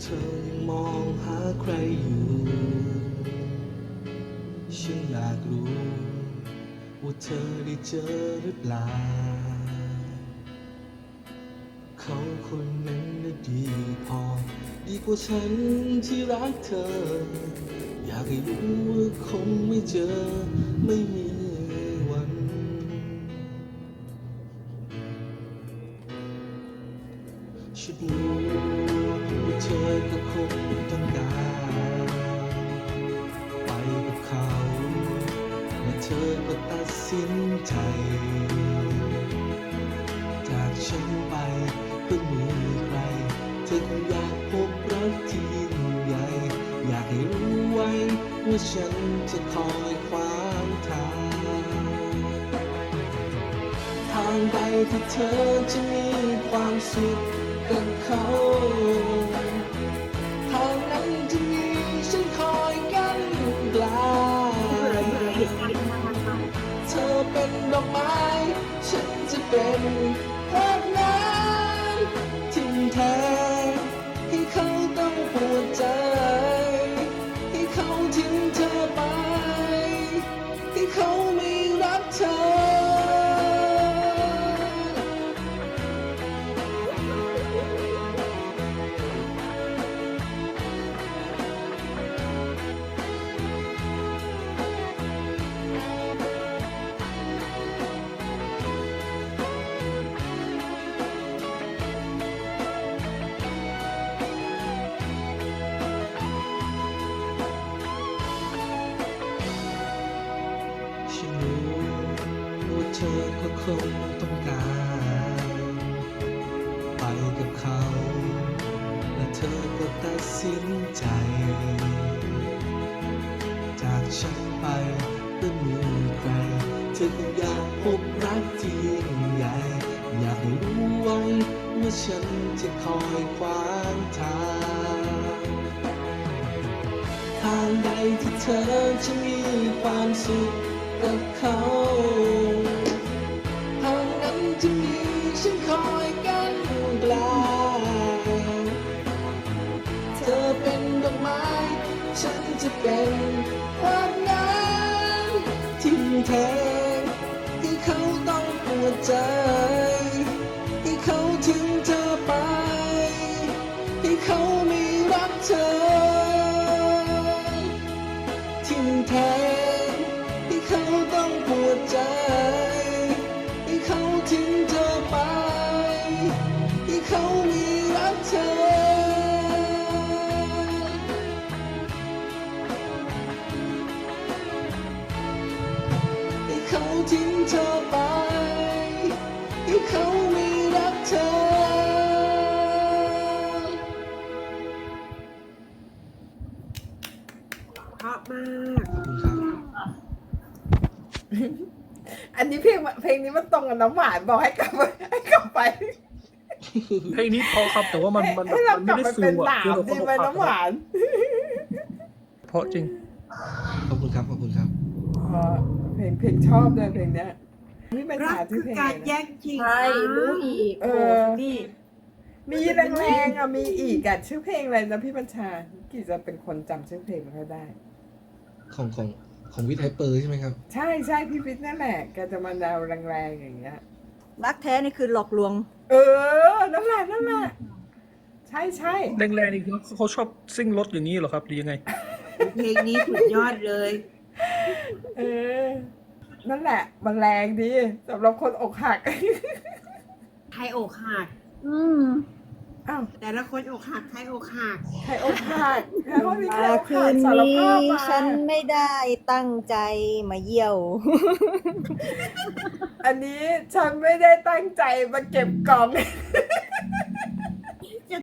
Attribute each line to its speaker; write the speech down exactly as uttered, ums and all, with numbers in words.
Speaker 1: เธอยังมองหาใครอยู่ฉันอยากรู้ว่าเธอได้เจอหรือเปล่าเขาคนนั้นน่ะดีพอดีกว่าฉันที่รักเธออยากให้รู้ว่าคงไม่เจอไม่มีวันฉันรู้ว่าเธอก็คงต้องการไปกับเขาและเธอก็ตัดสินใจจากฉันไปเพื่อมีใครเธอคงอยากพบรักที่ยิ่งใหญ่อยากให้รู้ไว้ว่าฉันจะคอยขวางทางทางใดที่เธอจะมีความสุขกับเขาทางนั้นจะมีฉันคอยกันกลางเธอเป็นดอกไม้ฉันจะเป็นภาพนั้นทิ้งแท้ให้เขาต้องปวดใจให้เขาทิ้งเธอไปให้เขาไม่รักเธอฉันรู้ว่าเธอก็คงต้องการไปกับเขาและเธอก็ตัดสินใจจากฉันไปเพื่อมีใครเธอคงอยากพบรักที่ยิ่งใหญ่อยากให้รู้ไว้ว่าฉันจะคอยขวางทางทางใดที่เธอจะมีความสุขกับเขาทางนั้นจะมีฉันคอยกันกลางเธอเป็นดอกไม้ฉันจะเป็นความน้ำทิ้งแทงให้เขาต้องปวดใจให้เขาทิ้งเธอไปให้เขาไม่รักเธอทิ้งแทงให้เขาต้องปวดใจให้เขาทิ้งเธอไปให้เขาไม่รักเธอให้เขาทิ้งเธอไปให้เขาไม่รักเธอ
Speaker 2: เพราะมาก
Speaker 1: ขอบคุณครับ
Speaker 2: อันนี้เพลงเพลงนี้มันตรงกับน้ำหวานบอกให้กลับไปให้กลับไป
Speaker 3: เพลงนี้พอครับแต่ว่ามันมัน
Speaker 2: ให้เรา
Speaker 3: มัน
Speaker 2: กลั
Speaker 3: ไม่
Speaker 2: บ
Speaker 3: ได้
Speaker 2: ไป
Speaker 3: ฟิ
Speaker 2: เป็น
Speaker 3: ล
Speaker 2: ห
Speaker 3: อะ
Speaker 2: นาม
Speaker 3: คือเรา
Speaker 2: ดีไหมน้ำหวาน
Speaker 3: เพราะจริง
Speaker 1: ขอบคุณครับขอบคุณครับ
Speaker 2: เพราะเพลงเพลงชอบเลยเพลงเนี้ยนี่เป็น
Speaker 4: รั
Speaker 2: สาก ชื่
Speaker 4: คือ อ
Speaker 2: เพลง
Speaker 4: การ
Speaker 2: อะไร
Speaker 4: แย่
Speaker 2: นะ
Speaker 4: งชิง
Speaker 5: ใช่รู้อีก
Speaker 2: เอ
Speaker 5: โอ้
Speaker 2: อ
Speaker 5: นี่
Speaker 2: มีแรงๆอ่ะมีอีกอ่ะชื่อเพลงอะไรนะพี่บัญชากี่จะเป็นคนจำชื่อเพลงไม่ค่อยได้
Speaker 1: ของของของวิทย์ไฮเปอร์ใช่ไหมครับ
Speaker 2: ใช่ใช่พี่วิทย์นั่นแหละแกจะมาแนวแรงๆอย่างเงี้ย
Speaker 5: รักแท้นี่คือหลอกลวง
Speaker 2: เออนั่นแหละนั่นแหละใช่ใช่
Speaker 3: แรงๆนี่คือเขาชอบซิ่งรถอย่างนี้เหรอครับหรือยังไง
Speaker 4: เพลงนี้สุดยอดเลย
Speaker 2: เออนั่นแหละมันแรงดีสำหรับคนอกหัก
Speaker 4: ใครอกหัก
Speaker 5: อืม
Speaker 2: อ้าว
Speaker 4: แต่ละคนอกหักใครอกหัก
Speaker 2: ใครอกหักใครคนมีใคร
Speaker 5: มา
Speaker 2: อก
Speaker 5: คื
Speaker 2: หัก
Speaker 5: น
Speaker 2: สาร
Speaker 5: นี้
Speaker 2: ภาพมา
Speaker 5: ฉันไม่ได้ตั้งใจมาเยี่ยว
Speaker 2: อันนี้ฉันไม่ได้ตั้งใจมาเก็บกล่อง